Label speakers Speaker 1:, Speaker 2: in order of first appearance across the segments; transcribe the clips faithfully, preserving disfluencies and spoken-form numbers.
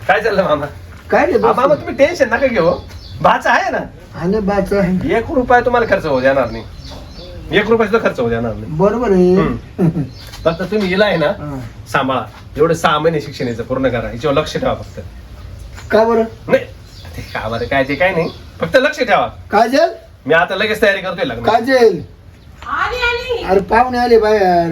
Speaker 1: काय चाललं मामा?
Speaker 2: काय नाही
Speaker 1: मामा तुम्ही टेन्शन नका घेऊ. भाचा आहे ना,
Speaker 2: आणि बाच आहे
Speaker 1: एक रुपया तुम्हाला खर्च होऊ देणार नाही. एक रुपया सुद्धा खर्च होऊ देणार नाही.
Speaker 2: बरोबर आहे.
Speaker 1: फक्त तुम्ही हिला आहे ना सांभाळा. एवढं सहा महिने शिक्षण याचं पूर्ण करा. याच्यावर लक्ष ठेवा फक्त.
Speaker 2: का बरं?
Speaker 1: नाही ते का बरं काय ते काय नाही, फक्त लक्ष ठेवा.
Speaker 2: काजल
Speaker 1: मी आता लगेच तयारी करतोय लग्न.
Speaker 2: काजल अरे पाहुणे आले बाहेर.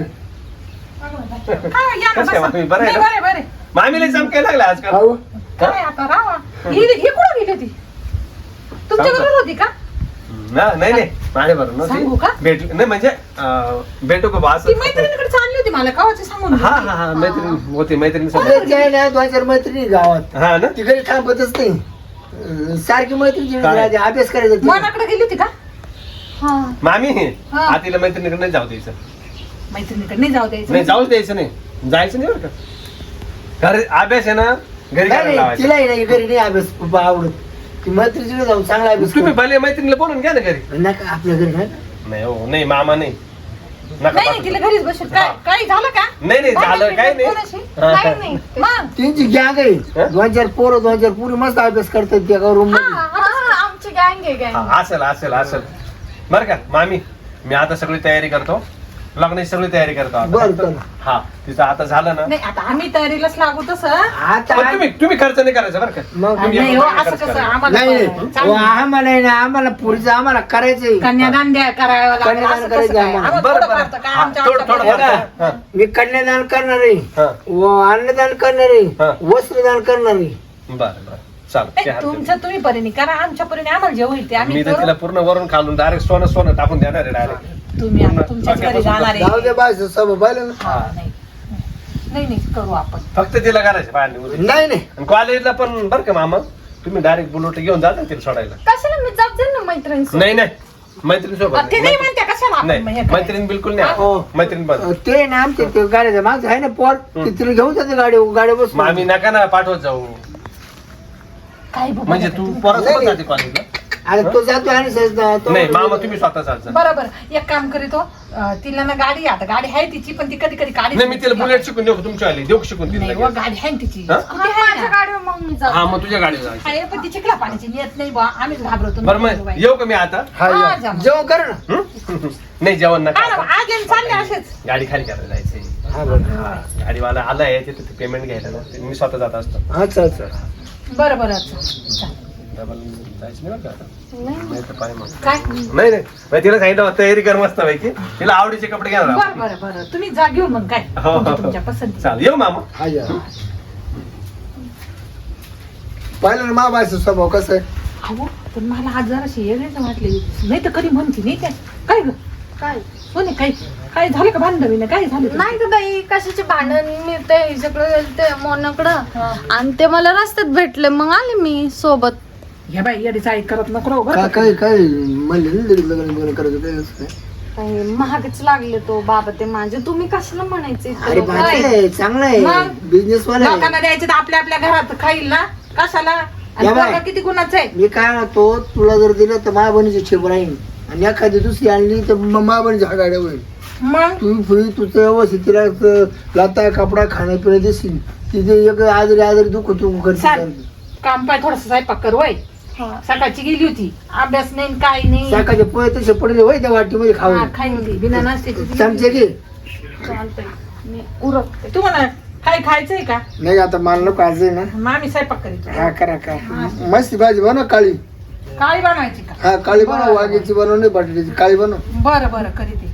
Speaker 1: कसं काय मामी, बरं आहे ना? मामीला चमकायला लागला आजकाल.
Speaker 2: हो.
Speaker 3: काय आता राहा ही ही कुठं गेली होती? तुमच्या बरोबर होती का?
Speaker 1: ना नाही नाही माझ्या बरोबर
Speaker 3: सांगू का?
Speaker 1: नव्हती. भेटू नाही म्हणजे अं, भेटू का बा
Speaker 3: ती
Speaker 1: असं.
Speaker 3: मैत्रिणीकडे चालली होती मला कवाची सांगून
Speaker 1: हा हा हा मैत्रीण होती मैत्रीण सोबत.
Speaker 2: अरे काय नाही दोन चार मैत्रिणी गावात
Speaker 1: हा ना
Speaker 2: ती घरी थांबतच नाही. अं, सारखी मैत्रिणी
Speaker 1: काय?
Speaker 2: अभ्यास करायचा ती.
Speaker 3: मनाकडे गेली होती का? हा
Speaker 1: मामी
Speaker 3: हा.
Speaker 1: आतीला मैत्रिणीकडे नाही जाऊ द्यायचं.
Speaker 3: मैत्रिणीकडे नाही जाऊ द्यायचं.
Speaker 1: नाही जाऊच द्यायचं नाही, जायचं नाही बरं का. घरी अभ्यास आहे ना घरी
Speaker 2: काय
Speaker 1: करायला
Speaker 2: नाही
Speaker 1: लावायचा.
Speaker 2: तिलाही नाही घरी नाही अभ्यास बाबा आवडत. ती मैत्रिणीकडे जाऊन चांगला अभ्यास
Speaker 1: तुम्ही
Speaker 2: करू.
Speaker 1: भले मैत्रिणीला बोलून घ्या ना घरी.
Speaker 2: नका आपल्या घरी नाही.
Speaker 1: नाही हो नाही मामा नाही नका
Speaker 3: नाही नाही
Speaker 1: पाठवू.
Speaker 3: तिला घरीच बसेल. काय
Speaker 1: हा.
Speaker 3: काय झालं का?
Speaker 1: नाही नाही झालं काय नाही.
Speaker 3: कोणाशी?
Speaker 1: हा, हा.
Speaker 3: काय नाही मग
Speaker 2: त्यांची गॅंग आहे.
Speaker 1: हा?
Speaker 2: दोन चार पोरं दोन चार पुरी मस्त अभ्यास करतात त्या रूम
Speaker 3: हा,
Speaker 2: मध्ये.
Speaker 3: हा, आमची गँग आहे गँग.
Speaker 1: हा, असेल असेल असेल बरं का मामी. मी आता सगळी तयारी करतो, लग्नाची सगळी तयारी करतो आता.
Speaker 2: बरं चला.
Speaker 1: हा तिचं आता झालं ना.
Speaker 3: नाही आता आम्ही तयारीलाच लागू तसं.
Speaker 2: आता
Speaker 1: पण तुम्ही तुम्ही खर्च नाही करायचा बरं का.
Speaker 2: मग
Speaker 1: तुम्ही
Speaker 3: नाही
Speaker 1: एक
Speaker 3: हो
Speaker 1: रुपया
Speaker 3: असं
Speaker 1: खर्च
Speaker 3: कसं
Speaker 1: करा.
Speaker 3: आम्हाला
Speaker 2: नाही नाही.
Speaker 3: पण
Speaker 2: हो,
Speaker 3: चांगलं.
Speaker 2: आम्हाला आहे ना आम्हाला पुरीचं आम्हाला करायचंय.
Speaker 3: कन्यादान द्या करावं लागेल
Speaker 2: कन्यादान
Speaker 3: असं
Speaker 2: करायचं
Speaker 3: कसं काय?
Speaker 2: आम्हाला.
Speaker 3: आम्हाला
Speaker 1: बरं
Speaker 3: थोडं
Speaker 1: बरं
Speaker 3: फार तर काय
Speaker 1: हा,
Speaker 3: आमच्या
Speaker 1: थोडं थोडं
Speaker 3: हातात
Speaker 1: फार
Speaker 3: आहे.
Speaker 1: हा.
Speaker 2: मी कन्यादान करणार आहे.
Speaker 1: हा.
Speaker 2: व अन्नदान करणार
Speaker 1: हा.
Speaker 2: आहे. वस्त्रदान करणार आहे.
Speaker 1: बरं बरं चालेल
Speaker 3: नाही,
Speaker 1: ते हात देऊन.
Speaker 3: तुमचं तुम्ही परीने करा आमच्या परीने आम्हाला जे होईल ते आम्ही
Speaker 1: मी तर
Speaker 3: करू.
Speaker 1: तिला पूर्ण वरून खालून डायरेक्ट सोनं सोनं टाकून देणार आहे डायरेक्ट.
Speaker 3: तुम्ही आता
Speaker 1: पूर्ण
Speaker 3: तुमच्याच घरी
Speaker 1: डोक्यापासून
Speaker 3: जाणार
Speaker 2: जाऊ
Speaker 3: आहे.
Speaker 2: दे बाय सब पाहिलं ना.
Speaker 3: हा, नाही नाही नाही करू आपण.
Speaker 1: फक्त तिला करायचं बाहेर निघून.
Speaker 2: नाही नाही
Speaker 1: आणि कॉलेजला पण बरं का मामा तुम्ही डायरेक्ट बुलेट घेऊन जाता तिला सोडायला.
Speaker 3: कशाला मी जात जाईल ना मैत्रिणी
Speaker 1: नाही नाही मैत्रीण सोबत
Speaker 3: ते नाही म्हणते कशाला आपण मग हे
Speaker 1: नाही
Speaker 3: करायचं?
Speaker 1: मैत्रीण बिलकुल नाही
Speaker 2: हो.
Speaker 1: मैत्रीण बंद.
Speaker 2: ते ना आमच्या ते गाड्याचं माझं आहे ना पोर
Speaker 1: हं.
Speaker 2: ते तिला घेऊन जाते गाडी गाडी बस
Speaker 1: मग आम्ही नका ना पाठवत जाऊ.
Speaker 3: काय बाबा
Speaker 1: म्हणजे
Speaker 3: आता
Speaker 1: तू
Speaker 3: तुम्ही-
Speaker 1: पोरासोबत
Speaker 2: नाही.
Speaker 1: जाते कॉलेजला.
Speaker 2: आता तो जातो आणि सहज तो-
Speaker 1: नाही मामा तुम्ही स्वतः जात जा.
Speaker 3: बरोबर एक काम करीतो अं, तिला ना गाडी आता गाडी आहे तिची पण ती कधी कधी गाडी
Speaker 1: नाही मी तिला बुलेट शिकून देऊ तुमच्या आली देऊ शिकून तिला
Speaker 3: नाही व,
Speaker 1: लगेच.
Speaker 3: गाडी आहे ना तिची
Speaker 1: हा?
Speaker 3: स्कूटी आहे ना.
Speaker 4: गाडीवर मग मी जातो.
Speaker 1: हा मग तुझ्या गाडीला जायचं.
Speaker 3: आहे पण ती चिखला पाण्याची नेत नाही बा आम्हीच घाबरतो
Speaker 1: बरं मग येऊ का मी आता.
Speaker 2: हा,
Speaker 3: हा,
Speaker 2: या.
Speaker 3: जा मग.
Speaker 2: जेवण कर ना.
Speaker 1: हं? नाही जेवण नका
Speaker 3: हा ना,
Speaker 1: आता.
Speaker 3: आज येऊन चालले असेच
Speaker 1: गाडी खाली करायला जायचंय.
Speaker 2: हा बरं.
Speaker 1: हा, गाडीवाला आलाय तिथे पेमेंट घ्यायला ना ते मी स्वतः जात असतो.
Speaker 2: अच्छा अच्छा
Speaker 3: बरं बरं अच्छा. चालेल.
Speaker 1: डबल जायचं नाही बरं का आता.
Speaker 3: नाही.
Speaker 1: नाही तर पाय मग.
Speaker 3: काय
Speaker 1: नाही नाही मग तिला सांगितलं होतं, तयारी कर मस्त पैकी. तिला आवडीचे कपडे घ्या ना.
Speaker 3: बरं बरं बरं तुम्ही जा घेऊन मग काय
Speaker 1: हो, हो,
Speaker 3: तुमच्या-
Speaker 1: हो.
Speaker 3: तुमच्या पसंती
Speaker 1: चालेल येऊ मामा.
Speaker 2: हा या पाहिलं ना मा बायचं स्वभाव कसं आहे.
Speaker 3: अहो पण मला आज जराशी वेगळीच वाटली नाही तर कधी म्हणते नाही काय काय ग
Speaker 4: काय
Speaker 3: कोणी काय काय झालं का बांधवी काय झालं
Speaker 4: नाही तर बाई कशाचे भांडण मी ते हिच्याकडे गेलते मोनाकडं आणि ते मला रस्त्यात भेटले मग आले मी सोबत.
Speaker 3: घ्या बाई येडीच ऐक करत नको राहू बरं
Speaker 2: काय
Speaker 3: का?
Speaker 2: काय काय म्हणले ना लगेच लग्न बिग्न करायचं काय असं काय.
Speaker 4: काही महागच लागले तो बाबा ते माझे तुम्ही कशाला म्हणायचे इतकं
Speaker 2: अरे
Speaker 4: लोकं?
Speaker 2: बाय आहे चांगला आहे
Speaker 3: मग?
Speaker 2: बिझनेस वाला आहे.
Speaker 3: लोकांना द्यायचे तर आपल्या आपल्या घरात खाईल ना कशाला आणि
Speaker 2: या बाई.
Speaker 3: पोरगा किती गुणाचं आहे
Speaker 2: मी काय म्हणतो तुला जर दिलं तर मा बहिणीची ठेप राहील आणि एखादी दुसरी आणली तर मा बहिणीच्या हा गाड्या होईल.
Speaker 3: मग
Speaker 2: तुम्ही फ्री तुझं व्यवस्थित तिला च- लाता कपडा खाणं पिणं देशील तिथे एक आजारी आजारी दुःख तू
Speaker 3: चाल.
Speaker 2: करते.
Speaker 3: काम पाय थोडस स्वयंपाक कर वय
Speaker 4: हा.
Speaker 3: सकाळची गेली होती अभ्यास नाही काय नाही
Speaker 2: सकाळचे पोहे तसे पडले होय त्या वाटीमध्ये
Speaker 3: हा,
Speaker 2: खाऊन
Speaker 3: खाईन ती बिना नाश्त्याची
Speaker 2: चमचे घे.
Speaker 4: चालतंय मी उरकते.
Speaker 3: तुम्हाला काय खायचंय का
Speaker 2: नाही आता मला नको आज आहे ना.
Speaker 3: मग आम्ही स्वयंपाक करीतो
Speaker 2: हा करा का मस्त भाजी बनव काळी.
Speaker 3: काळी बनवायची का
Speaker 2: हा काळी बनव
Speaker 3: बरं.
Speaker 2: वांग्याची बनव नाही बटाट्याची काळी बनव.
Speaker 3: बरं बरं करीते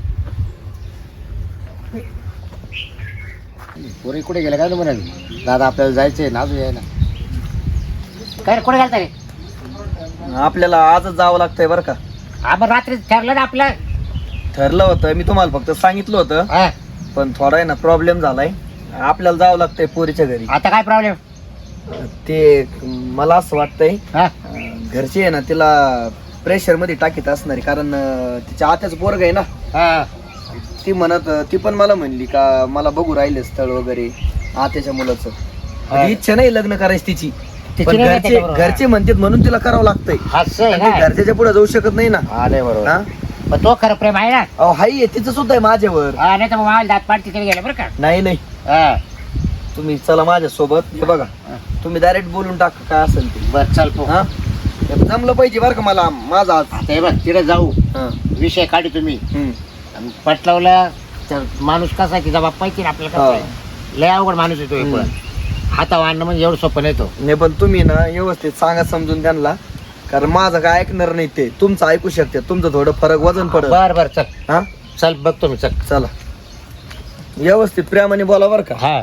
Speaker 5: पोरी कुठे गेला काय तू म्हणाली दादा आपल्याला जायचंय ना अजून यायला काय रे कुठे गेलता रे
Speaker 6: आपल्याला आजच जावं लागतंय बरं का.
Speaker 5: आपण रात्री ठरलं ना आपलं
Speaker 6: ठरलं होतं मी तुम्हाला फक्त सांगितलं होतं
Speaker 5: हा.
Speaker 6: पण थोडा आहे ना प्रॉब्लेम झालाय. आपल्याला जावं लागतंय पोरीच्या घरी.
Speaker 5: आता काय प्रॉब्लेम
Speaker 6: ते मला असं वाटतंय
Speaker 5: हा
Speaker 6: अं, घरचे आहे ना तिला प्रेशर मध्ये टाकीत असणार आहे, कारण अं, तिच्या आत्याचं पोरग आहे ना.
Speaker 5: हा
Speaker 6: ती म्हणत ती पण मला म्हणली का मला बघू राहिले स्थळ वगैरे आत्याच्या मुलाचं. म्हणजे इच्छा नाही लग्न करायची तिची
Speaker 5: तिची
Speaker 6: पण
Speaker 5: नाही ना
Speaker 6: घरचे
Speaker 5: त्याच्याबरोबर.
Speaker 6: घरचे म्हणतात म्हणून तिला करावं लागतंय.
Speaker 5: असं आहे
Speaker 6: आणि ती
Speaker 5: ना
Speaker 6: घरच्याच्या पुढे जाऊ शकत नाही ना.
Speaker 5: हा नाही बरोबर
Speaker 6: हा
Speaker 5: पण तो खरं प्रेम आहे ना
Speaker 6: अहो हाई आहे तिचं सुद्धा आहे माझ्यावर.
Speaker 5: हा नाही तर मग मला दात पाठ तिकडे गेले बरं का
Speaker 6: नाही नाही
Speaker 5: हा
Speaker 6: तुम्ही चला माझ्या सोबत. हे बघा तुम्ही डायरेक्ट बोलून टाका काय असेल ते.
Speaker 5: बर चल पो
Speaker 6: हा जमलं पाहिजे बरं का मला माझा आज.
Speaker 5: आता हे बघ तिकडे जाऊ
Speaker 6: हा.
Speaker 5: विषय काढू तुम्ही
Speaker 6: हम्म.
Speaker 5: आणि पटलावला तर माणूस कसा आहे तिचा बाप माहिती ना आपल्याला कसं आहे. लय अवघड माणूस येतो हे पण हातावर आणणं म्हणजे एवढं सोपं नाही तो.
Speaker 6: नाही पण तुम्ही ना व्यवस्थित सांगा समजून त्यांना, कारण माझं काय ऐकणार नाही ते, तुमचं ऐकू शकते, तुमचं थोडं फरक वजन पडत.
Speaker 5: बर बर चल
Speaker 6: हा
Speaker 5: चल बघतो मी चल.
Speaker 6: चला व्यवस्थित प्रेमाने बोला बरं का.
Speaker 5: हा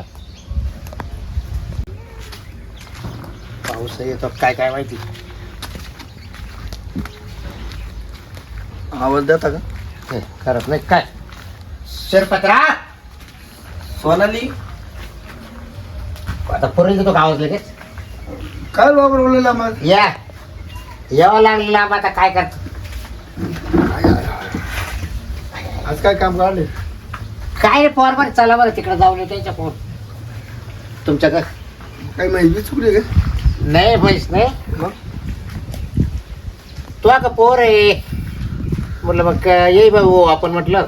Speaker 5: पाऊस येतो काय काय माहिती.
Speaker 6: आवाज देता का.
Speaker 5: हे, करत नाही काय शिरपत्रा
Speaker 6: सोनाली
Speaker 5: आता पूर्वी देतो का आवाज लगेच.
Speaker 2: काय बाबर बोललेला मग
Speaker 5: या यावं लागलेलं आम्ही आता काय करतो.
Speaker 2: आज काय काम काढले
Speaker 5: काय रे पोर बरं चला बरं तिकडे जाऊन येऊ त्यांच्या फोन तुमच्याकडे.
Speaker 2: काही माहिती चुकली का
Speaker 5: नाही म्हैस नाही
Speaker 2: मग
Speaker 5: तू का पोर आहे म्हटलं मग येई भाऊ आपण म्हटलं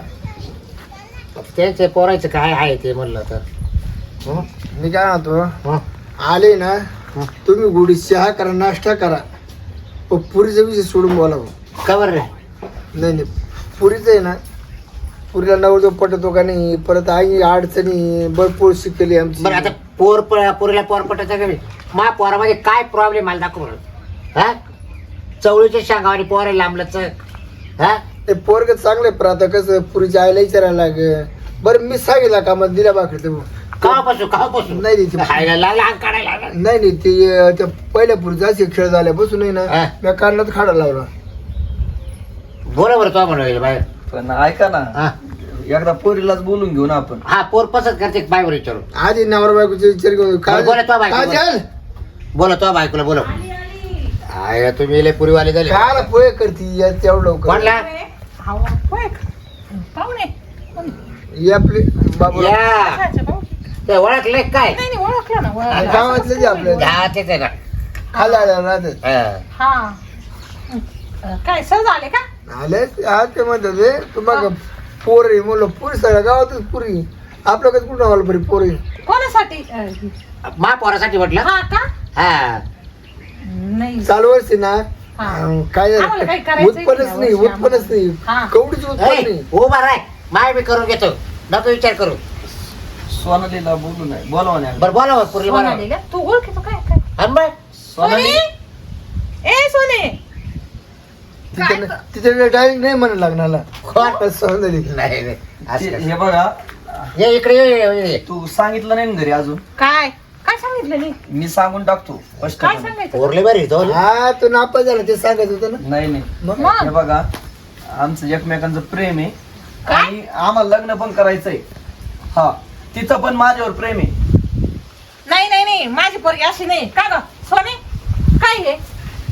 Speaker 5: त्यांचं पोरायचं काय आहे ते म्हणलं तर. हं?
Speaker 2: मी काय म्हणतो
Speaker 5: हं?
Speaker 2: आले ना तुम्ही गुढी चहा करा नाश्ता करा पण पुरीचा विषय सोडून बोला भाऊ.
Speaker 5: का बरं रे
Speaker 2: नाही नाही पुरीचं आहे ना पुरीला नवरदेव पटतो का नाही परत आई अडचणी भरपूर शिकली आमची.
Speaker 5: बरं आता पोर प- पोरीला पोर पटायचं का नाही मा पोरामध्ये काय प्रॉब्लेम मला दाखव बरं. हा चवळीच्या शांगावानी पोर आहे लांबलंच. हा
Speaker 2: ते पोरग चांगले पण आता कसं पुरीच्या आईला विचारायला लाग बरं मी सांगितलं का मग दिल्या बाकरी ते
Speaker 5: कावापासून कावापासून
Speaker 2: नाही नाही ते-
Speaker 5: खायला लागला अंग काढायला लागला.
Speaker 2: नाही नाही ते अं, त्या पहिल्या पुरीचा असे खेळ झाल्यापासून नाही ना
Speaker 5: हा.
Speaker 2: मी काढण्यात खाडा लावला.
Speaker 5: बोला बरं तो म्हणून बाहेर.
Speaker 6: पण ऐका ना
Speaker 5: हा
Speaker 6: एकदा पोरीलाच बोलून घेऊ ना आपण.
Speaker 5: हा पोर पसंत करते बायवर विचारू.
Speaker 2: आधी नवरा बायकोचे विचार घेऊन
Speaker 5: बरं, बोला तो बायको, बोला.
Speaker 2: काजल
Speaker 5: बोला तो बायकोला बोला. आहे तुम्ही लय पुरीवाले झाले.
Speaker 2: काय पोहे करती या तेवढं लवकर
Speaker 5: कोणला
Speaker 3: हाव, होय का? पाहुणे कोणी?
Speaker 2: ही आपली बाबू
Speaker 5: या
Speaker 3: अच्छा, भाऊ.
Speaker 5: ते ओळखले काय
Speaker 3: नाही नाही ओळखलं ना ओळखलं.
Speaker 2: गावातले जे आपल्या
Speaker 5: हा तेच आहे ना.
Speaker 2: खाली आल्या राहतात
Speaker 5: हा.
Speaker 3: हा अं, काय सहज आले का?
Speaker 2: आले आज ते म्हणतात ते तुम्हाला पोर आहे म्हणलं पुरी सगळ्या गावातच पुरी आपल्याकडे कुठं आम्हाला बरी पोर आहे.
Speaker 3: कोणासाठी अं,
Speaker 5: मा पोरासाठी म्हटलं.
Speaker 3: हा का
Speaker 5: हा
Speaker 3: नाही
Speaker 2: चालू वर्षी ना
Speaker 3: हा.
Speaker 2: अं, काय
Speaker 3: आम्हाला काही
Speaker 2: झालं
Speaker 3: करायचंय
Speaker 2: उत्पन्नच
Speaker 3: या
Speaker 2: नाही
Speaker 3: वर्षी
Speaker 2: उत्पन्नच नाही
Speaker 3: हा.
Speaker 2: कवडीच उत्पन्न
Speaker 5: ए,
Speaker 2: नाही.
Speaker 5: उभा राय माय मी करून घेतो नको विचार करू.
Speaker 6: सोनालीला बोलू नाही बोलावा नाही.
Speaker 5: बरं बोला बरं, पुरीला बोला.
Speaker 3: सोनालीला? तू ओळखीतो काय काय
Speaker 5: आणि बरं,
Speaker 6: सोनाली
Speaker 3: ए सोने
Speaker 2: तिथे तिथे डायरेक्ट नाही म्हणा लग्नाला
Speaker 5: कोण?
Speaker 2: सौंदर्य
Speaker 5: नाही नाही, असं
Speaker 6: ते-
Speaker 5: कसं.
Speaker 6: हे बघा
Speaker 5: ये इकडे ये, ये, ये.
Speaker 6: तू सांगितलं नाही ना घरी अजून.
Speaker 3: काय काय सांगितलं नाही
Speaker 6: मी सांगून टाकतो
Speaker 3: काय
Speaker 6: स्पष्टपणे.
Speaker 3: सांगायचं
Speaker 5: पोरले बरी तो
Speaker 2: हा तो नापास झाला ते सांगायचं होतं ना
Speaker 6: नाही नाही
Speaker 2: मग
Speaker 3: मग?
Speaker 6: हे बघा आमचं एकमेकांचं प्रेम आहे
Speaker 3: काय?
Speaker 6: आणि आम्हाला लग्न पण करायचंय. हा तिचं पण माझ्यावर प्रेम आहे.
Speaker 3: नाही नाही नाही माझी पोरगी अशी नाही का ग सोने काय हे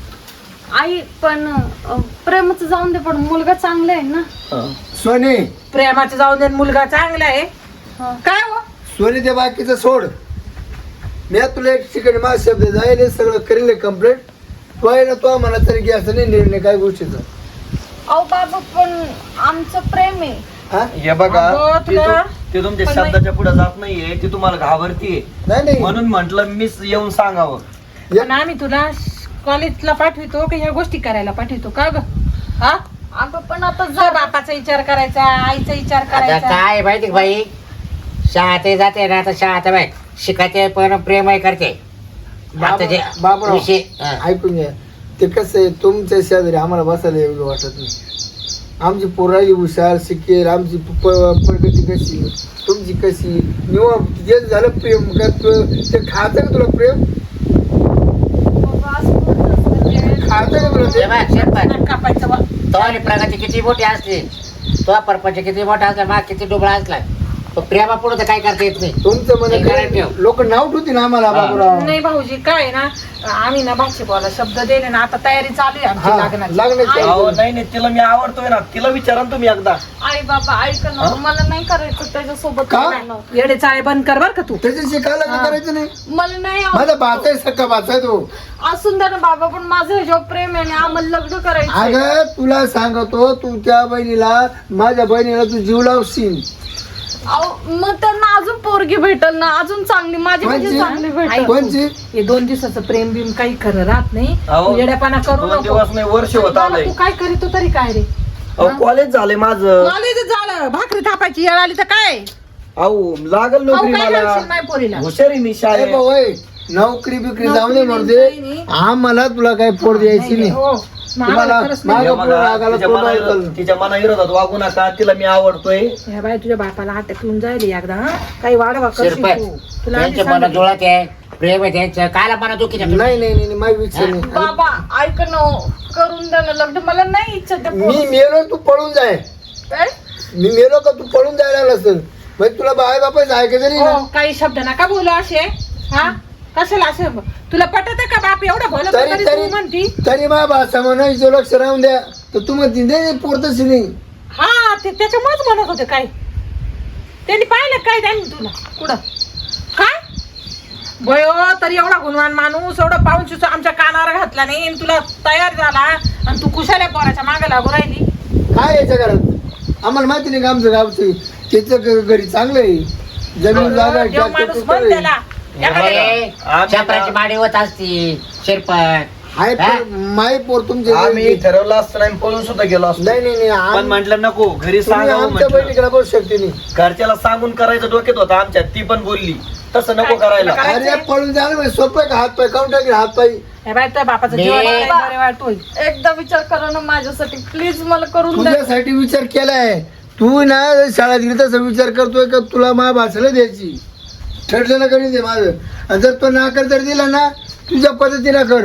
Speaker 4: आई पण अं, प्रेमाचं जाऊन दे पण मुलगा चांगला आहे ना.
Speaker 2: सोनी
Speaker 3: प्रेमाचं जाऊन दे मुलगा चांगला आहे
Speaker 4: हा.
Speaker 3: काय हो
Speaker 2: सोनी ते बाकीचं सोड मी आता तुला एक ठिकाणी माझा शब्द जाईल सगळं करेल कम्प्लीट तो आहे ना तो म्हणा तरी की असं नाही निर्णय काय गोष्टीचा
Speaker 4: अहो बाबा पण आमचं प्रेम आहे.
Speaker 2: हा
Speaker 6: हे बघा
Speaker 3: अगं,
Speaker 6: ती
Speaker 3: तुला-
Speaker 6: तु- ती तुमच्या
Speaker 3: पण
Speaker 6: शब्दाच्या पुढे जात नाहीये, ती तुम्हाला घाबरतीये
Speaker 2: नाही नाही
Speaker 6: म्हणून म्हंटल मीच येऊन सांगावं.
Speaker 3: पण आम्ही तुला कॉलेजला पाठवितो की ह्या गोष्टी करायला पाठवितो का ग हा
Speaker 4: अगं पण आता
Speaker 3: तुझ्या
Speaker 4: जा
Speaker 3: बापाचा विचार करायचा आईचा विचार
Speaker 5: आता
Speaker 3: करायचा
Speaker 5: काय माहिती का बाई शाळेत जाते ना आता शाळेत बाई शिकायचे पण प्रेम आहे करते. आता जे
Speaker 2: बाबराव,
Speaker 5: विषय हा.
Speaker 2: ऐकून घ्या ते कसं आहे तुमच्या शेजारी आम्हाला बसायला एवढं वाटत नाही. आमची पोराई हुशार शिकेल आमची प- प- प्रगती कशी तुमची कशी निवा जे झालं प्रेम का तु- ते खातं का तुला प्रेम
Speaker 4: बाबा, असं बोलत असतं.
Speaker 2: खातं का तुला
Speaker 5: हे
Speaker 2: ते
Speaker 5: बघ, शिरपत.
Speaker 3: नाक कापायचं बा.
Speaker 5: तो आणि प्रगती किती मोठी असली तो परपंच किती मोठा असला मा किती डोबळा असला तो प्रेमा पुढे तर काय करता येत नाही.
Speaker 2: तुमचं
Speaker 5: हे करायला ठेव.
Speaker 2: म्हणजे लोक नाव ठेवतील आम्हाला
Speaker 6: हा.
Speaker 2: बाबूराव
Speaker 3: नाही भाऊजी काय आहे ना आम्ही ना भाषे बोला शब्द दिले ना आता तयारी चालू आहे आमची
Speaker 2: हा,
Speaker 3: लग्नाची
Speaker 2: लग्नाची.
Speaker 3: आई-
Speaker 6: अहो नाही नाही तिला मी आवडतोय ना, तिला विचारा ना तुम्ही एकदा.
Speaker 4: आई बाबा ऐक ना मला नाही करायचं त्याच्यासोबत
Speaker 2: का?
Speaker 4: लग्न.
Speaker 3: येडे चाळे बंद कर बर का तू
Speaker 2: त्याच्याशी काय लग्न
Speaker 3: हा.
Speaker 2: करायचं नाही
Speaker 4: मला नाही
Speaker 2: माझा
Speaker 4: आवडत.
Speaker 2: बाचा आहे सक्का बाचा आहे तो
Speaker 4: असून द्या ना बाबा पण माझं ह्याच्यावर प्रेम आहे आणि आम्हाला लग्न करायचं
Speaker 2: अगं तुला सांगतो तू त्या बहिणीला माझ्या बहिणीला तू जीव लावशील
Speaker 4: अहो मग त्यांना अजून पोरगी भेटल ना, अजून चांगली माझी म्हणजे
Speaker 2: कोणची?
Speaker 4: चांगली भेटल.
Speaker 2: कोणची?
Speaker 3: हे दोन दिवसाचं प्रेम बिम काही खरं राहत नाही.
Speaker 6: अहो,
Speaker 3: तू येड्यापणा करू
Speaker 6: दोन
Speaker 3: नको.
Speaker 6: दिवस नाही, वर्ष होत
Speaker 3: बाबा,
Speaker 6: आलंय.
Speaker 3: तू काय करीतो तरी काय रे?
Speaker 6: अहो कॉलेज झालंय माझं.
Speaker 3: कॉलेज झालं, भाकरी थापायची येळ आली तर काय?
Speaker 6: अहो लागल
Speaker 3: अहो,
Speaker 6: नोकरी
Speaker 3: काय
Speaker 6: मला.
Speaker 3: करशील माझ्या पोरीला?
Speaker 6: हुशार आहे मी
Speaker 2: ए
Speaker 6: शाळेत.
Speaker 2: भाऊ, ए, नोकरी बिकरी जाऊ दे
Speaker 3: नोकरी
Speaker 2: म्हणते
Speaker 3: नाही, नाही.
Speaker 2: आम्हाला तुला काही पोर द्यायची नाही.
Speaker 3: हो, मग आम्हाला
Speaker 2: तुम्हाला
Speaker 3: खरंच नाही.
Speaker 6: तिच्या
Speaker 2: मागं
Speaker 6: मना-
Speaker 2: पुढं रागाला
Speaker 6: तिच्या
Speaker 2: तोंड
Speaker 6: मना-
Speaker 2: ऐकलं.
Speaker 6: तिच्या मना विरोधात वागू नका. तिला मी आवडतोय.
Speaker 3: ह्या बाई तुझ्या बापाला अटक येऊन जाईल एकदा हा? काही वाढवा करशील
Speaker 5: शिरपत
Speaker 3: तू. तुला आधी
Speaker 5: त्यांच्या मनात
Speaker 3: सांगितलं.
Speaker 5: जुळत आहे, प्रेम आहे त्यांचं. कायला मना दुखी
Speaker 2: नाही नाही नाही नाही, माझी इच्छा नाही.
Speaker 4: बाबा ऐक ना, करून द्या ना लग्न, मला नाही इच्छा त्या
Speaker 2: मी
Speaker 4: पोरी-
Speaker 2: मेलो तू पळून जाय.
Speaker 4: काय?
Speaker 2: मी मेलो का तू पळून जायला नसेल म्हणजे तुला बाय बापाच ऐकायचं नाही ना.
Speaker 3: हो, काही शब्द नका बोलू असे. हा कशाला असे? तुला पटत का बाप एवढं बोलत
Speaker 2: तरी
Speaker 3: तरी
Speaker 2: तरी
Speaker 3: तू म्हणती?
Speaker 2: तरी मा भाषा म्हणा हिचं लक्ष राहून द्या तर तू म्हणती नाही पोरतच नाही.
Speaker 3: हा ते त्याच्यामुळेच म्हणत होते काय. त्यांनी पाहिलं काय त्यांनी तुला कुठं काय बयो? तरी एवढा गुणवान माणूस एवढं पाहून सुद्धा आमच्या कानावर घातला नाही आणि तुला तयार झाला आणि तू कुशाल्या पोराच्या मागे लागू राहिली.
Speaker 2: काय याच्या घरात आम्हाला माहिती नाही का आमचं गावचं त्याचं घ- घरी चांगलं आहे. जमीन जागा आहे,
Speaker 3: देव
Speaker 2: tractor
Speaker 3: माणूस
Speaker 2: tractor
Speaker 3: म्हण
Speaker 2: आहे.
Speaker 3: त्याला. एखाद्या-
Speaker 5: चपराची माडी होत असती शिरपत.
Speaker 2: आहे पण माई पोर तुमचे
Speaker 6: आम्ही ठरवलं असतं नाही, पळून सुद्धा गेलो असतो.
Speaker 2: नाही नाही नाही
Speaker 6: पण
Speaker 2: आम-
Speaker 6: म्हटलं नको, घरी
Speaker 2: तुम्ही
Speaker 6: सांगावं
Speaker 2: आमच्या
Speaker 6: म्हटलं.
Speaker 2: बहिणीकडे बसू शकते नाही.
Speaker 6: घरच्याला सांगून करायचं डोक्यात होता आमच्या. ती पण बोलली तसं नको
Speaker 3: काय-
Speaker 6: करायला.
Speaker 3: काय-
Speaker 2: अरे पळून जायला म्हणजे सोपं आहे का? हात पाय काउंट टाकेल हात पाय.
Speaker 3: हे बाई तुझ्या बापाचं
Speaker 5: मी-
Speaker 3: जीवन आहे, बरे वाटतोय.
Speaker 4: एकदा विचार करा ना माझ्यासाठी प्लीज, मला करून द्या.
Speaker 2: तुझ्यासाठी विचार केलाय तू ना शाळेत गेली तसा विचार करतोय का तुला मा भाषेला द्यायची ठरलेलं करून दे माझं. आणि जर तो नाकार जर दिला ना तुझ्या पद्धतीने कर.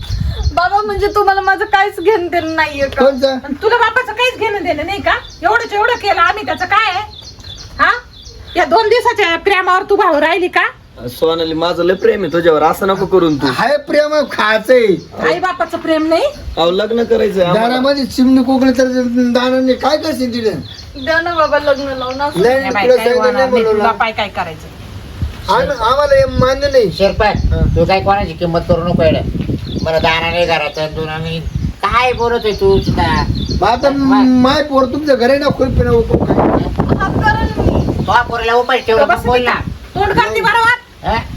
Speaker 4: बाबा म्हणजे तुम्हाला माझं काहीच घेणं देणं नाहीये का?
Speaker 2: कोणचा
Speaker 3: आणि तुला बापाचं काहीच घेणं देणं नाही का? एवढंच एवढं केलं आम्ही, त्याचं काय आहे? हा या दोन दिवसाच्या प्रेमावर तू भाऊ राहिली का?
Speaker 6: सोनाली माझं लय प्रेम आहे तुझ्यावर. असं नको करून तू.
Speaker 2: हाय प्रेम खायचंय
Speaker 3: आई बापाचं प्रेम नाही.
Speaker 6: अहो लग्न करायचंय आम्हाला.
Speaker 2: दारामध्ये चिमणी कोकणी तर दानाने काय करशील तिथे?
Speaker 4: द्या ना बाबा लग्न लावून असं.
Speaker 2: नाही
Speaker 3: हे
Speaker 2: नाही,
Speaker 3: बाई,
Speaker 2: तुला
Speaker 3: काही
Speaker 2: सांगितलं
Speaker 3: होणार
Speaker 2: नाही
Speaker 3: नाही.
Speaker 2: बोलवलं.
Speaker 3: तुला पाय काय करायचं?
Speaker 2: आम- आम्हाला हे मान्य नाही.
Speaker 5: शिरपत तू काय कोणाची किंमत करू नको येडं. मला दाना नाही घराचं दोना नाही. काय बोलतोय तू सुद्धा?
Speaker 2: मग आता माय पोर तुमच्या घरी ना खुरपी ना उकळून खाय.
Speaker 4: हा करा ना मी.
Speaker 5: तो पोरीला उपाय ठेवलं
Speaker 3: बस
Speaker 5: मग बोल ना.
Speaker 3: तोंड करते बरोबर.
Speaker 5: हा?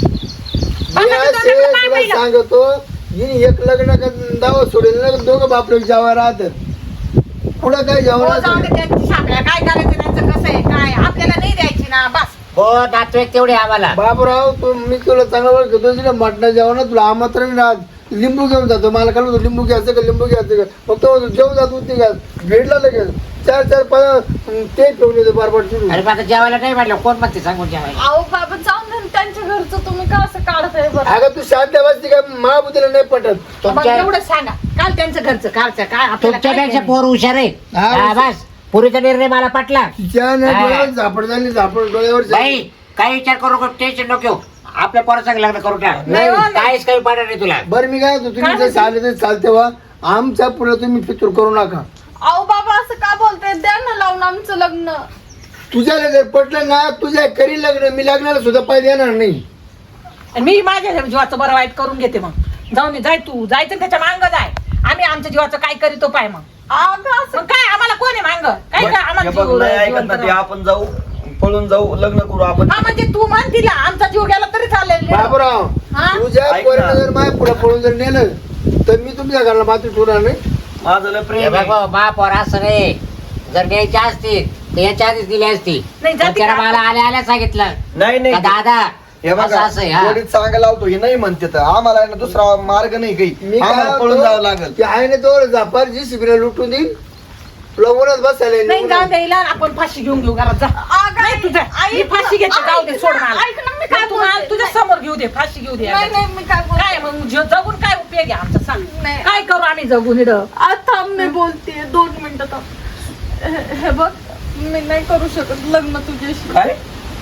Speaker 2: मी असे तुला सांगतो हिने एक लग्न का- दावा सोडेल ना दोघं बापले जेव्हा राहतात पुढं काय
Speaker 3: हो,
Speaker 2: जेवण
Speaker 3: जाऊ दे त्यांची शाळा. काय करायचं त्यांचं कसं आहे काय आपल्याला नाही द्यायची ना बस.
Speaker 5: हो नातवेक तेवढे आम्हाला.
Speaker 2: बाबराव तू मी तुला चांगला ओळखतो तुला मटणा जेवण तुला आमंत्रण राहत लिंबू घेऊन जातो मला काय म्हणतो लिंबू घ्यायचं का लिंबू घ्यायचं का फक्त म्हणतो जेवण जातो ते घ्या भेटला लगेच चार चार पाच ते ठेवून येतो बारबाट चिरून.
Speaker 5: अरे आता जेवायला नाही म्हटलं कोण म्हणते सांगून जेवायला.
Speaker 4: अहो बाबा जाऊन द्या ना त्यांच्या घरचं, तुम्ही का असं काढताय बरं?
Speaker 2: अगं तू शांत वाजती काय महाबुद्धीला नाही पटत.
Speaker 3: मग
Speaker 5: तुमच्या
Speaker 3: एवढं सांगा काल त्यांचं घरचं कालचं काय आपल्याला काय
Speaker 5: तुमच्यापेक्षा
Speaker 3: घेणं?
Speaker 5: पोर हुशार आहे.
Speaker 2: हा,
Speaker 5: हा, बस पुरीचा निर्णय मला पटला.
Speaker 2: तिच्या ना
Speaker 5: हा.
Speaker 2: डोळ्यावर झापड झाली झापड डोळ्यावर
Speaker 5: बाई काही विचार करू नको, टेन्शन नको घेऊ. आपल्या पोराचं लग्न करू टाक.
Speaker 3: नाही हो, नाही.
Speaker 5: काहीच काही पडणार नाही तुला.
Speaker 2: बरं मी काय होतो तुम्ही
Speaker 3: काय
Speaker 2: जर चालले तर चालते वा आमच्या पुढे तुम्ही फितूर करू नका.
Speaker 4: अहो बाबा असं का बोलताय? द्या ना लावून आमचं लग्न.
Speaker 2: तुझ्याला जर पटलं ना तुझ्या करी लग्न मी लग्नाला सुद्धा पाय देणार नाही.
Speaker 3: आणि मी माझ्या जीवाचं बरं वाईट करून घेते. मग जाऊन ये, जाय तू जायचं त्याच्या मांग जाय. आम्ही आमच्या जीवाचं काय करीतो पाय मग.
Speaker 4: अगं असं
Speaker 3: मग काय आम्हाला कोण आहे मांग काय काय आम्हाला
Speaker 6: हे बघ,
Speaker 3: जीव-
Speaker 6: नाही ऐकत
Speaker 3: जिवंत
Speaker 6: ना ते.
Speaker 3: राहू.
Speaker 6: आपण जाऊ पळून जाऊ लग्न करू आपण.
Speaker 3: हा म्हणजे तू म्हण तिला आमचा जीव गेला तरी चालेल.
Speaker 2: बाबराव
Speaker 3: हा?
Speaker 2: तुझ्या
Speaker 6: ऐक
Speaker 2: पोराला
Speaker 6: ना.
Speaker 2: जर माझ्या पुढे पळून जर नेलं तर मी तुमच्या घराला मात्र ठेवणार नाही.
Speaker 6: माझं लय
Speaker 5: हे
Speaker 6: प्रेम
Speaker 5: बघ
Speaker 6: आहे.
Speaker 5: हो, मा पोर असं नाही. जर न्यायची असती तर याच्या आधीच दिली असती.
Speaker 3: नाही, जाती
Speaker 5: पण त्याला
Speaker 3: का?
Speaker 5: मला आल्या आल्या सांगितलं
Speaker 6: नाही
Speaker 5: का
Speaker 6: नाही
Speaker 5: दादा
Speaker 6: हे
Speaker 5: असं
Speaker 6: बघा
Speaker 5: असं आहे, हा.
Speaker 6: वडील सांगायला लावतो हे नाही म्हणते तर आम्हाला आहे ना दुसरा मार्ग नाही काही.
Speaker 2: मी काय
Speaker 6: आम्हाला पळून
Speaker 2: होतो,
Speaker 6: जावं लागेल.
Speaker 2: की आहे ना तो झापार जी शिबिरा लुटून देईल तुला उन्हात बसायला
Speaker 3: नाही
Speaker 2: नाही.
Speaker 3: जाऊन द्यायला आपण फाशी घेऊन घेऊ घरात जा.
Speaker 4: अगं,
Speaker 3: नाही तुझं
Speaker 4: आई-
Speaker 3: मी फाशी घेते जाऊ दे सोड मला.
Speaker 4: ऐक ना, मी काय
Speaker 3: नाही, तू मला
Speaker 4: बोलते?
Speaker 3: तुझ्या समोर घेऊ दे फाशी घेऊ दे.
Speaker 4: नाही नाही मी काय
Speaker 3: काय
Speaker 4: बोलते?
Speaker 3: मग ज- जगून काय उपयोग आहे आमचा सांग.
Speaker 4: नाही.
Speaker 3: काय करू आम्ही जगून इकडं.
Speaker 4: आज थांब मी बोलतेय दोन मिनिटं थांब. हे- हे बघ मी नाही करू शकत लग्न तुझ्याशी.
Speaker 6: काय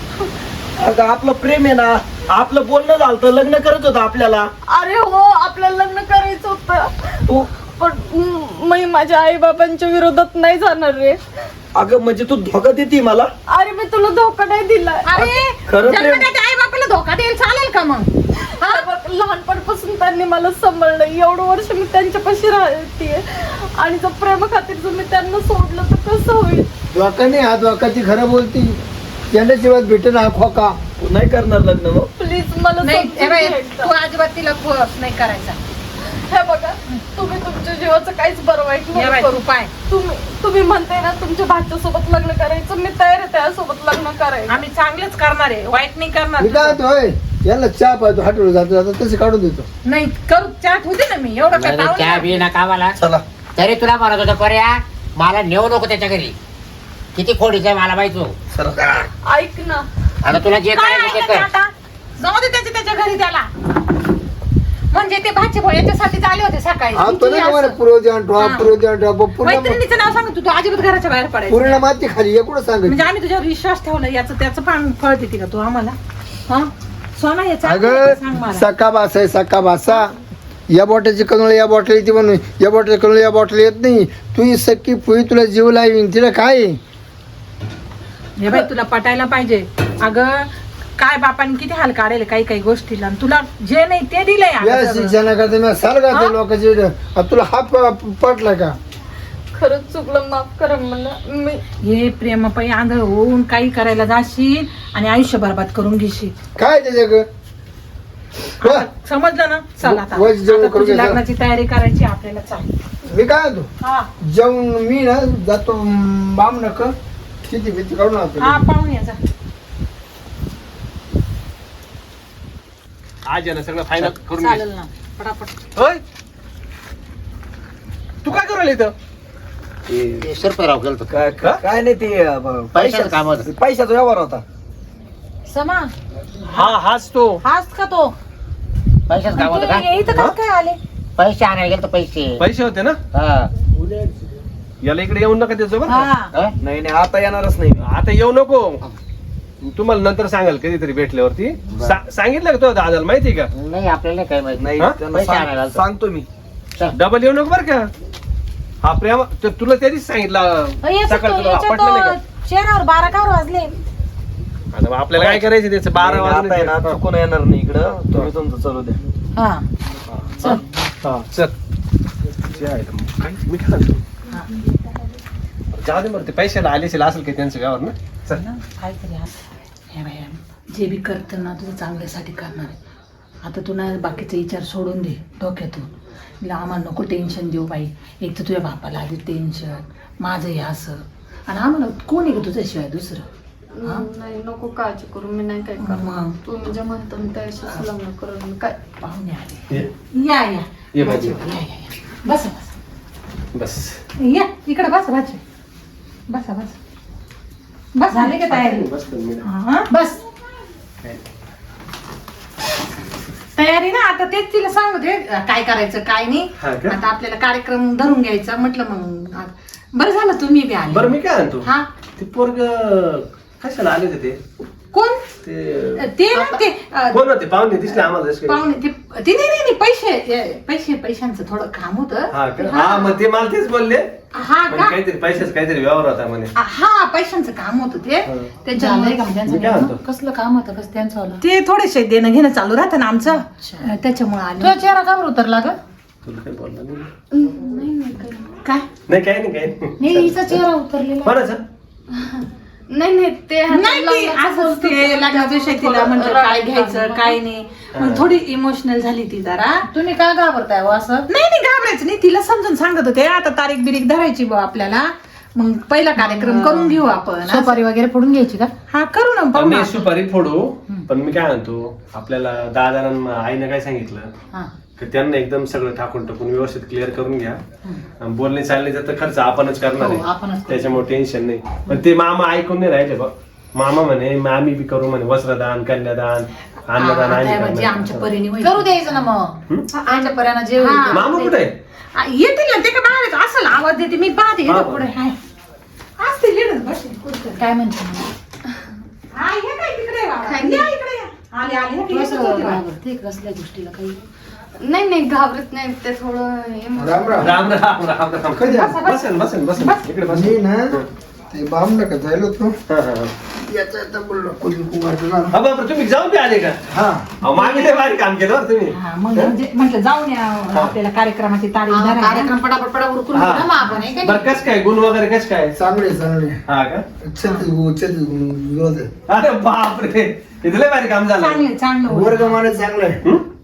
Speaker 6: अगं आपलं प्रेम आहे ना. आपलं बोलणं झालं तर लग्न करत होतं आपल्याला.
Speaker 4: अरे हो आपल्याला लग्न करायचं होतं
Speaker 6: तू
Speaker 4: पण म- मी माझ्या आई बाबांच्या विरोधात नाही जाणार रे.
Speaker 6: अगं म्हणजे तू धोका देते मला.
Speaker 4: अरे मी तुला धोका नाही दिला.
Speaker 3: अरे
Speaker 6: खरं प्रेम-
Speaker 3: जन्मदात्या आई बापाला धोका देईल चालेल का मग.
Speaker 4: हा बघ, लहानपणापासून त्यांनी मला सांभाळलं. एवढं वर्ष मी त्यांच्यापाशी राहते आणि जर प्रेम खातीर जर मी त्यांना सोडलं तर कसं होईल?
Speaker 2: धोका नाही हा धोका ती खरं बोलती. यांना जीवात भेटेल ना खोका.
Speaker 6: नाही करणार लग्न मग.
Speaker 4: प्लीज मला
Speaker 3: नाही
Speaker 4: समजून
Speaker 3: हे बाई,
Speaker 4: घ्यायचं.
Speaker 3: तू अजिबात तिला फोर्स नाही करायचा.
Speaker 4: हे बघा तुम्ही तुमच्या जीवाचं काहीच बरं वाईट
Speaker 3: हे
Speaker 4: नाही
Speaker 3: बाई,
Speaker 4: करू.
Speaker 3: तू पाय
Speaker 4: तुम्ही तुम्ही म्हणताय ना तुमच्या भाच्यासोबत लग्न करायचं, मी तयार आहे त्यासोबत लग्न करायचं.
Speaker 3: आम्ही चांगलेच करणार आहे, वाईट नाही
Speaker 2: मी काय
Speaker 3: करणार.
Speaker 2: म्हणतो होय, यांना चहा पाहतो हॉटेल जातो जातो तसे काढून देतो.
Speaker 3: नाही करू चाट होते ना मी एवढं काय
Speaker 5: नाही, चहा
Speaker 3: पाहुणे.
Speaker 5: बी नका मला.
Speaker 6: चला.
Speaker 5: तरी तुला म्हणत होतं पर्या मला नेऊ नको त्याच्या घरी. किती खोडीच आहे मला माहिती हो.
Speaker 6: चला.
Speaker 4: ऐक ना,
Speaker 5: आता तुला जे
Speaker 3: काय
Speaker 5: करायचं ते
Speaker 3: ऐकायचं
Speaker 5: कर.
Speaker 3: आता? जाऊ दे त्याच्या त्याच्या घरी त्याला. म्हणजे ते भाचे भाऊ याच्यासाठीच आले होते सकाळी.
Speaker 2: आमचं
Speaker 3: तुम्ही
Speaker 2: नाही मला
Speaker 3: असं-
Speaker 2: पूर्वजान ड्रॉप
Speaker 3: हा.
Speaker 2: पूर्वजान ड्रॉप पूर्ण
Speaker 3: मैत्रिणीचं नाव सांग तू, तू अजिबात घराच्या बाहेर पडायचं.
Speaker 2: पूर्ण माती खाली हे कुठं सांगत.
Speaker 3: म्हणजे आम्ही तुझ्यावर विश्वास ठेवला, याचं त्याचं पण फळ देते का तू आम्हाला? हा सोना याचा सांग
Speaker 2: अगं
Speaker 3: मला.
Speaker 2: सका बासा आहे सका बासा. या बॉटलची कनोळ या बॉटल येते म्हणून या बॉटल कनोळ या बॉटल येत नाही. तू ही सक्की फुई तुला जीव लावीन तिला काय आहे?
Speaker 3: हे बाई तुला पटायला पाहिजे. अगं काय बापाने किती हाल काढले काही काही गोष्टीला, आणि तुला जे नाही ते दिलंय
Speaker 2: या
Speaker 3: अगं सगळं.
Speaker 2: शिक्षणाकरता मी साल
Speaker 3: हा?
Speaker 2: घातलं लोकांची इकडं. आता तुला हात प- पटला का?
Speaker 4: खरंच चुकलं, माफ करा मला. मी
Speaker 3: हे प्रेमापायी आंधळ होऊन काही करायला जाशील आणि आयुष्य बरबाद करून घेशील.
Speaker 2: काय त्याच्या ग?
Speaker 3: आता समजलं ना? चल आता
Speaker 2: वय जेवण
Speaker 3: आता
Speaker 2: करून
Speaker 3: तुझी
Speaker 2: घ्यायचं.
Speaker 3: लग्नाची तयारी करायची आपल्याला. चाल
Speaker 2: मी काय म्हणतो
Speaker 3: हा
Speaker 2: जेवण मी ना जातो बाम नक किती भीती काढून
Speaker 3: हा
Speaker 2: आणतो.
Speaker 3: पाहून या जा.
Speaker 1: आज आहे ना सगळं फायनल करून घे.
Speaker 3: चालेल ना पटापट.
Speaker 1: होय तू काय करायला इथं?
Speaker 6: ते-
Speaker 5: शिरपतराव गेलतो.
Speaker 6: काय काय नाही ते अं,
Speaker 5: पैशाचं
Speaker 6: पैशाचं
Speaker 5: काम होतं.
Speaker 6: पैशाचा व्यवहार होता.
Speaker 3: समा
Speaker 1: हा हाच तो.
Speaker 3: हाच का तो?
Speaker 5: पैशाच काम होतं का?
Speaker 3: तू इथं कसं काय आले?
Speaker 5: पैसे आणायला गेलतो पैसे.
Speaker 1: पैसे होते ना,
Speaker 5: हा.
Speaker 1: याला इकडे येऊन नका त्याचं बरं का?
Speaker 3: हा
Speaker 5: हा?
Speaker 6: नाही नाही आता येणारच नाही.
Speaker 1: आता येऊ नको. तुम्हाला नंतर सांगाल कधीतरी भेटल्यावरती. सा- सांगितलं का तो दादाला माहिती का?
Speaker 5: नाही आपल्याला काय माहिती.
Speaker 6: नाही
Speaker 1: हा?
Speaker 6: त्यांना
Speaker 5: पैसे
Speaker 6: सांग-
Speaker 5: आणायला आलतो.
Speaker 6: सांगतो मी.
Speaker 1: डबल येऊ नको बरं का? हा प्रेम तर तुला त्याच सांगितलं सकाळी तुला पटलं नाही का?
Speaker 3: चेहऱ्यावर बारा का वाजले?
Speaker 1: आता मग आपल्याला काय करायचं त्याचं बारा
Speaker 6: नाही, आता आहे ना
Speaker 1: वाजता
Speaker 6: चुकून येणार नाही इकडं. तुम्ही तुमचं चालू द्या.
Speaker 3: हा चल.
Speaker 1: चल जे आहे ते मग काय मी काय म्हणतो? जाऊ दे बरं ते पैशाला आले असेल असेल काही त्यांचं गावावर ना. चल
Speaker 3: काहीतरी असं. हे बाई, जे बी करतं ना तुझं चांगल्यासाठी करणार आहे. आता तू ना बाकीचे विचार सोडून दे डोक्यातून. तिला आम्हाला नको टेन्शन देऊ बाई. एक तर तुझ्या बापाला आधी टेन्शन, माझं हे असं, आणि आम्हाला कोण आहे का तुझ्याशिवाय दुसरं? हा?
Speaker 4: नाही नको काळजी करू, मी नाही काय करणार.
Speaker 3: मग
Speaker 4: तुम्ही जे म्हणता मी त्याशीच लग्न करून मी काय.
Speaker 3: पाहुणे आले.
Speaker 1: ये
Speaker 3: या या
Speaker 1: ये भाजी
Speaker 3: या या या. बसा बसा
Speaker 1: बस.
Speaker 3: या इकडे बसा भाजी. बसा बसा बस. झाले का तयारी?
Speaker 1: बस दोन मिनिटं.
Speaker 3: हा, बस तयारी ना. आता तेच तिला सांगू दे काय करायचं काय नाही.
Speaker 1: हा का?
Speaker 3: आता आपल्याला कार्यक्रम धरून घ्यायचा म्हटलं. मग आ- बरं झालं तुम्ही बी आले.
Speaker 1: बरं मी काय म्हणतो,
Speaker 3: हा
Speaker 1: ते पोरग कशाला आले होते ते?
Speaker 3: कोण?
Speaker 1: ते
Speaker 3: ते ना ते अ,
Speaker 1: कोण होते? पाहुणे दिसले आम्हाला जसे काही.
Speaker 3: पाहुणे ते ते नाही नाही नाही, पैसे ए, पैसे पैशांचं थोडं काम होतं.
Speaker 1: हा का? हा मग ते मला तेच बोलले.
Speaker 3: हा
Speaker 1: म्हणजे
Speaker 3: का?
Speaker 1: काहीतरी पैशाच काहीतरी व्यवहार होता म्हणे.
Speaker 3: हा पैशांचं काम होतं ते.
Speaker 1: हा.
Speaker 3: त्यांच्या
Speaker 1: मी काय म्हणतो,
Speaker 4: कसलं काम होतं कसं त्यांचं?
Speaker 3: ते थोडेसे देणं घेणं चालू राहतं ना आमचं. त्याच्यामुळे आले.
Speaker 4: चेहरा का उतरला ग?
Speaker 1: तुला काही बोलला नाही?
Speaker 4: नाही नाही काही
Speaker 3: काय
Speaker 1: नाही काही नाही काही नाही.
Speaker 4: नाही हिचा चेहरा उतरलेला.
Speaker 1: कोणाचं?
Speaker 4: नाही नाही ते
Speaker 3: नाही ते असंच ते लग्नाच्या शेतीला म्हणजे काय घ्यायचं काय नाही. मग थोडी इमोशनल झाली ती जरा.
Speaker 4: तुम्ही का घाबरताय हो असं?
Speaker 3: नाही नाही घाबरायचं नाही. तिला समजून सांगत होते आता तारीख बिरीख धरायची बा आपल्याला. मग पहिला कार्यक्रम करून घेऊ आपण.
Speaker 4: सुपारी वगैरे फोडून घ्यायची का?
Speaker 3: हा करू ना पाहू
Speaker 1: मी
Speaker 3: ना.
Speaker 1: सुपारी फोडू, पण मी काय म्हणतो, आपल्याला दादानं आईनं काय सांगितलं
Speaker 3: हा.
Speaker 1: की त्यांना एकदम सगळं टाकून टाकून व्यवस्थित क्लिअर करून घ्या. आणि बोलणे चालण्याचा तर खर्च आपणच करणार
Speaker 3: हो,
Speaker 1: आहे,
Speaker 3: आपणच करू.
Speaker 1: त्याच्यामुळे टेन्शन नाही. पण ते मामा ऐकून नाही राहिले बा. मामा म्हणे आम्ही बी करू म्हणे वस्त्रदान, कन्यादान, अन्नदान
Speaker 3: हा,
Speaker 1: आम्ही
Speaker 3: आता म्हणजे आमच्या
Speaker 1: करणार.
Speaker 3: परीने होईल.
Speaker 4: करू द्यायचं ना मग. आमच्या पर्यानं जे होईल
Speaker 3: हा.
Speaker 4: ते.
Speaker 1: मामा कुठे आहे?
Speaker 3: आ, येतील ना ते का बाहेर असं आवाज देते मी पाहते
Speaker 1: हा.
Speaker 3: इथं पुढे हाय असते लिडत बसेल कुठं.
Speaker 4: काय म्हणते मग?
Speaker 3: हा ये काय तिकडे बाबा.
Speaker 4: काय?
Speaker 3: या इकडे या. आले आले हे
Speaker 4: कसं
Speaker 3: येतच होते बाबा.
Speaker 4: घाबरते कसल्या गोष्टीला काही? नाही नाही घाबरत नाही ते थोडं emotional.
Speaker 2: राम राम.
Speaker 1: राम राम राम राम.
Speaker 2: कधी आला?
Speaker 1: बसेल बसेल बसेल इकडे बस.
Speaker 2: मी ना ते बाम नका जायला होतो.
Speaker 1: हा, हा, हा.
Speaker 2: याचा याचा बोललो कोणी कुंभारचं ना.
Speaker 1: हा बापरे तुम्ही जाऊन बी आले का?
Speaker 2: हा
Speaker 1: अहो, मागे लय भारी काम केलं बरं तुम्ही.
Speaker 3: हा, मग म्हणजे म्हटलं जाऊन या आपल्याला कार्यक्रमाची तारीख
Speaker 7: हा,
Speaker 3: धरायला.
Speaker 7: कार्यक्रम पटापट पटा उरकून
Speaker 1: हा.
Speaker 7: घेऊ ना मग आपण हे काय?
Speaker 1: बरं कस काय गुण वगैरे कस काय?
Speaker 2: चांगले चांगले
Speaker 1: हा का?
Speaker 2: छत्तीस गु- छत्तीस गु- गुण होते.
Speaker 1: अरे बापरे इथं लय भारी काम झालं.
Speaker 3: चांगले चांगलं होतं.
Speaker 2: वर्गमाने चांगलं आहे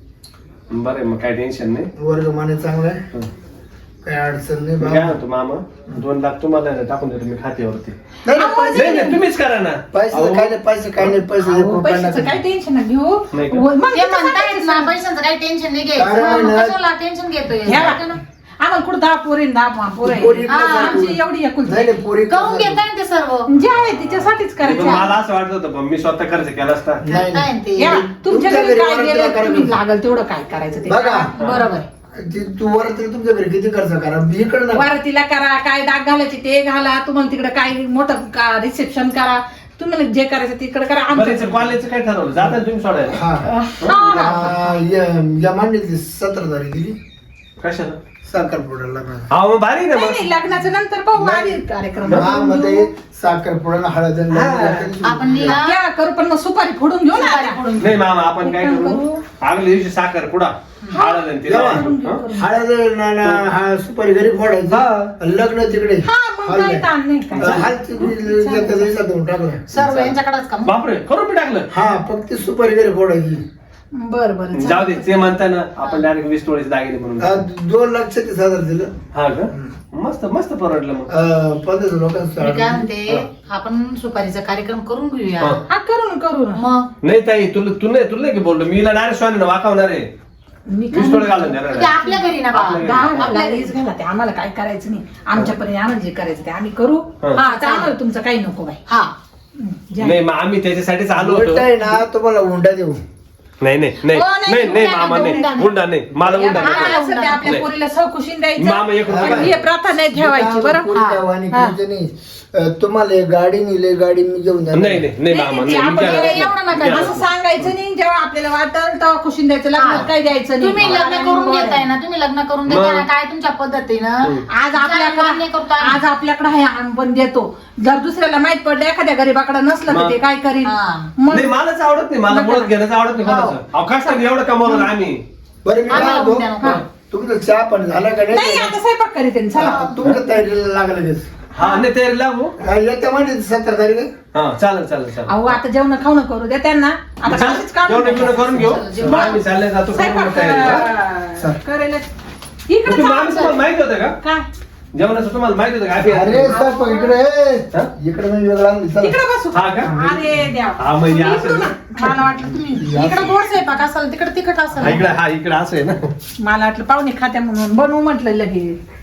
Speaker 1: हं? बरं मग काय टेन्शन नाही.
Speaker 2: वर्गमाने चांगलं आहे
Speaker 1: हं.
Speaker 2: काही अडचण नाही
Speaker 1: मी
Speaker 2: बाबा.
Speaker 1: काय म्हणतो मामा दोन लाख तुम्हाला टाकून देतो मी खात्यावरती.
Speaker 2: नाही, नाही, पैसे
Speaker 1: नाही नाही तुम्हीच करा ना.
Speaker 2: पैसे
Speaker 1: अहो,
Speaker 2: काय नाही पैसे काय नाही पैसे
Speaker 3: अहो,
Speaker 2: रुपये
Speaker 3: पैशाचं
Speaker 2: नका.
Speaker 3: काही टेन्शन नका घेऊ.
Speaker 1: नाही का?
Speaker 3: मग
Speaker 7: ते
Speaker 3: तिथं
Speaker 7: म्हणतायत ना
Speaker 3: सांगायचं.
Speaker 7: पैशांचं काही टेन्शन नाही
Speaker 2: काय
Speaker 7: घ्यायचं
Speaker 2: नाही.
Speaker 7: कशाला टेन्शन घेतोय
Speaker 3: घ्या बा. आम्हाला कुठं दहा पोरी दहा पोरं आहे.
Speaker 2: पोरी
Speaker 3: हा,
Speaker 2: कसं
Speaker 3: आमची
Speaker 2: पोरी?
Speaker 3: एवढी एकुलती.
Speaker 2: नाही नाही पोरी
Speaker 7: करून
Speaker 2: कसं-
Speaker 7: घेताय ना ते सर्व
Speaker 3: जे आहे तिच्यासाठीच
Speaker 1: पण
Speaker 3: करायचं.
Speaker 1: मला असं वाटत होतं पण मी स्वतः खर्च केला असता.
Speaker 2: नाही
Speaker 7: करताय ना ते
Speaker 3: या, तुमच्या
Speaker 2: तुमच्या
Speaker 3: घरी
Speaker 2: घरी
Speaker 3: काय
Speaker 2: वरातीला
Speaker 3: गेलं
Speaker 2: करा
Speaker 3: तुम्ही
Speaker 2: तुम्ही.
Speaker 3: लागल तेवढं काय करायचं ते
Speaker 2: बघा
Speaker 7: बरोबर
Speaker 2: ती तू वर तरी तुमच्या घरी किती खर्च करा इकडे ना
Speaker 3: वारतीला करा काय डाग घालायचे ते घाला तुम्हाला तिकडे काय मोठं रिसेप्शन करा तुम्हाला जे करायचं तिकडे करा
Speaker 1: बरं
Speaker 3: आमच्या
Speaker 1: याचं कॉलेजचं काय ठरवलं जाता तुम्ही सोडायला?
Speaker 2: हा
Speaker 3: हा, हा.
Speaker 2: आ, या- या मांडीची सतरा तारीख दिली
Speaker 1: कशाला?
Speaker 2: साखरपुड्याला
Speaker 1: हा मग भारी ना
Speaker 3: नाही
Speaker 1: मग.
Speaker 3: नाही, लग्नाच्या नंतर पाहू आधी कार्यक्रम
Speaker 2: हा
Speaker 3: करून
Speaker 2: मध्ये
Speaker 3: घेऊ.
Speaker 2: साखरपुड्याला हळद आणि
Speaker 1: हा.
Speaker 2: लग्न
Speaker 7: आपण निघा
Speaker 3: या करू पण मग सुपारी फोडून घेऊ ना
Speaker 7: सुपारी
Speaker 3: आता.
Speaker 7: फोडून
Speaker 1: नाही मामा आपण काय
Speaker 3: काय
Speaker 1: करू
Speaker 3: करू?
Speaker 1: आगल्या दिवशी साखर पुडा हळद आणि तिला
Speaker 2: जेव्हा.
Speaker 1: हं?
Speaker 2: हळद ना- ना- हा सुपारी घरी फोडायची लग्न तिकडे
Speaker 3: हा मग काय ताण नाही काय
Speaker 2: हाल तिकडे एका दिवसात होऊन टाकलं
Speaker 7: सर्व यांच्याकडेच का मग?
Speaker 1: बापरे करून बी टाकलं.
Speaker 2: हा फक्त सुपारी घरी फोडायची
Speaker 3: बर बर
Speaker 1: जाऊ दे ते म्हणता ना आपण डायरेक्ट वीस तोळीचे दागिने म्हणून
Speaker 2: आ, दोन लाख छत्तीस हजार दिलं
Speaker 1: हा का मस्त मस्त परवडलं मग.
Speaker 2: आ, पंधरा लोकांचं
Speaker 7: मी काय
Speaker 2: order.
Speaker 7: म्हणते आपण सुपारीचा कार्यक्रम करून घेऊया
Speaker 1: हा.
Speaker 3: हा करू ना करू ना
Speaker 7: मग
Speaker 1: नाही ताई तुला तू नाही तुला नाही की बोललो मी डायरेक्ट स्वाने वाकावणार आहे
Speaker 3: मी काय
Speaker 1: वीस तोळे घालून देणार
Speaker 7: ते
Speaker 1: आहे.
Speaker 7: आपल्या घरी ना
Speaker 1: आपल्या घरी.
Speaker 7: बा
Speaker 3: दहा लागलीच घाला ते आम्हाला काय करायचं नाही आमच्यापर्यंत आम्हाला जे करायचं ते आम्ही करू
Speaker 1: हा.
Speaker 3: हा तर आम्हाला तुमचं काही नको बाई
Speaker 7: हा
Speaker 3: हं, जे आहे.
Speaker 1: नाही मग आम्ही त्याच्यासाठीच आलो होतो.
Speaker 2: उलट आहे ना तुम्हाला हुंडा देऊ
Speaker 1: नाही नाही नाही
Speaker 7: हो, नाही,
Speaker 1: नाही नाही
Speaker 7: हुंडा
Speaker 1: मामा
Speaker 7: नाही,
Speaker 1: नाही
Speaker 7: हुंडा नाही.
Speaker 1: हुंडा नाही मला हुंडा नाही.
Speaker 3: आम्हाला असं ते आपल्या
Speaker 1: नाही.
Speaker 3: पोरीला सौकुशीन द्यायचं
Speaker 1: मामा एक रुपया
Speaker 3: पण हे प्रथा नाही ठेवायची बरं
Speaker 2: पोरी
Speaker 3: हा.
Speaker 2: गावाने
Speaker 3: हा.
Speaker 2: करायचं नाही अ, तुम्हाला एक गाडी नेली गाडी मी घेऊन जाणार.
Speaker 1: नाही नाही नाही मामा
Speaker 3: नाही,
Speaker 1: नाही मी
Speaker 3: आपण
Speaker 1: काय
Speaker 3: एवढं
Speaker 1: करणार
Speaker 7: नका
Speaker 1: नाही.
Speaker 3: असं सांगायचं नाही जेव्हा आपल्याला वाटल तेव्हा खुशीन द्यायचं लग्नात काय द्यायचं नाही
Speaker 7: तुम्ही लग्न करून देताय ना तुम्ही लग्न करून देताय ना काय तुमच्या पद्धतीनं
Speaker 3: आज
Speaker 7: मान्य
Speaker 3: आपल्याकडे
Speaker 7: करतो आम्ही.
Speaker 3: आज आपल्याकडे आहे आम्ही पण देतो जर दुसऱ्याला माहित पडलं एखाद्या गरीबाकडे नसलं तर
Speaker 1: मग.
Speaker 3: ते काय करीन
Speaker 7: हा.
Speaker 3: मग
Speaker 1: नाही मलाच आवडत नाही मला
Speaker 3: नका.
Speaker 1: मुळात घेण्याचं आवडत नाही कोणाचं अहो कष्टाने एवढं कमवलं ना आम्ही
Speaker 2: बरं मी
Speaker 7: आम्हाला
Speaker 2: काय म्हणतो,
Speaker 7: हुंडा नको.
Speaker 2: तुमचं चहा पण झाला का
Speaker 3: नाही
Speaker 2: नाही
Speaker 3: आता स्वयंपाक करीत आहे, चला
Speaker 2: हा, तुमच्या तयारीला लागलं लगेच
Speaker 1: हा नाही तयारी लागू
Speaker 2: हा, येत्या म्हणजे सतरा तारीख आहे.
Speaker 1: हा चालेल चालेल चालेल
Speaker 3: अहो आता जेवण खाऊन करू द्या त्यांना आता काहीच काम
Speaker 1: जेवण
Speaker 3: नाही.
Speaker 1: बिवणं करून घेऊ
Speaker 7: जेवण.
Speaker 1: मग आम्ही चालले जातो करून
Speaker 3: स्वयंपाक
Speaker 1: मग तयारीला.
Speaker 3: अं, करेल इकडे
Speaker 1: तुम्ही मामी तुम्हाला माहिती होतं का
Speaker 3: काय
Speaker 1: जेवणाचं तुम्हाला माहिती होतं का
Speaker 2: अरे
Speaker 1: आधी-
Speaker 2: साहेब इकडे ये.
Speaker 1: हा?
Speaker 2: इकडे मी वेगळा आणली, चला.
Speaker 3: इकडे बसू
Speaker 1: हा का?
Speaker 3: अरे द्या
Speaker 1: हा, म्हणजे असं
Speaker 3: इकडून ना. मला वाटलं तुम्ही
Speaker 7: इकडे गोड स्वयंपाक असेल तिकडे तिखट
Speaker 1: हा
Speaker 7: असेल
Speaker 1: इकडे हा इकडे असं आहे ना
Speaker 3: मला वाटलं पाहुणे खात्या म्हणून बनवू म्हटलं लगेच